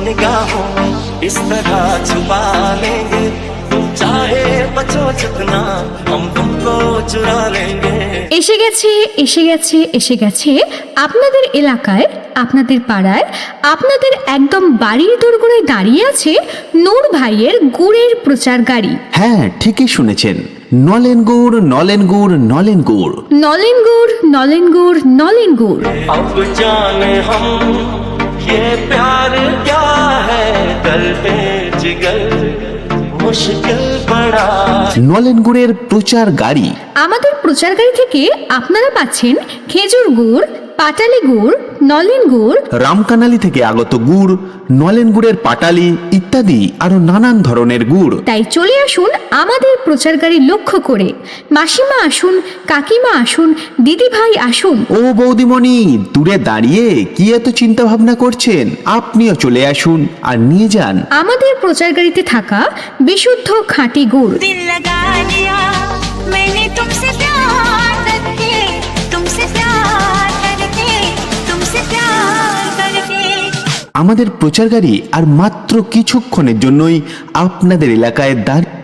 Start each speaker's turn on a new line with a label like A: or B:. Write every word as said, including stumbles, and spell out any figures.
A: निगाहों में इस तरह छुपा लेंगे, तुम चाहे बचो जितना हम तुमको चुरा लेंगे।
B: এসে গেছে এসে গেছে এসে গেছে আপনাদের এলাকায়, আপনাদের পাড়ায়, আপনাদের একদম বাড়ির দোরগোড়ায় দাঁড়িয়ে আছে নূর ভাইয়ের গুড়ের প্রচার গাড়ি।
C: হ্যাঁ, ঠিকই শুনেছেন, নলেন গুড়, নলেন গুড়, নলেন গুড়,
B: নলেন গুড়, নলেন গুড়, নলেন গুড়।
A: अब जाने हम ये प्यार क्या है, करते जिगर मुश्किल पड़ा।
C: নলেন গুড়ের প্রচার গাড়ি।
B: আমাদের প্রচার গাড়ি থেকে আপনারা পাচ্ছেন খেজুর গুড়, পাটালি গুড়, নলেন গুড়,
C: রামকানালি থেকে আগত গুড়, নলেন গুড়ের পাটালি ইত্যাদি আরো নানান ধরনের গুড়।
B: তাই চলে আসুন আমাদের প্রচার গাড়ি লক্ষ্য করে। মাসিমা আসুন, কাকিমা আসুন, দিদি ভাই আসুন।
C: ও বৌদিমণি, দূরে দাঁড়িয়ে কি এত চিন্তা ভাবনা করছেন? আপনিও চলে আসুন আর নিয়ে যান
B: আমাদের প্রচার গাড়িতে থাকা বিশুদ্ধ খাঁটি গুড়।
D: दिल लगा लिया मैंने तुमसे प्यार करके, तुमसे प्यार करके, तुमसे प्यार करके।
C: আমাদের প্রচার গাড়ি আর মাত্র কিছুক্ষণের জন্যই আপনাদের এলাকায় দাঁড়িয়ে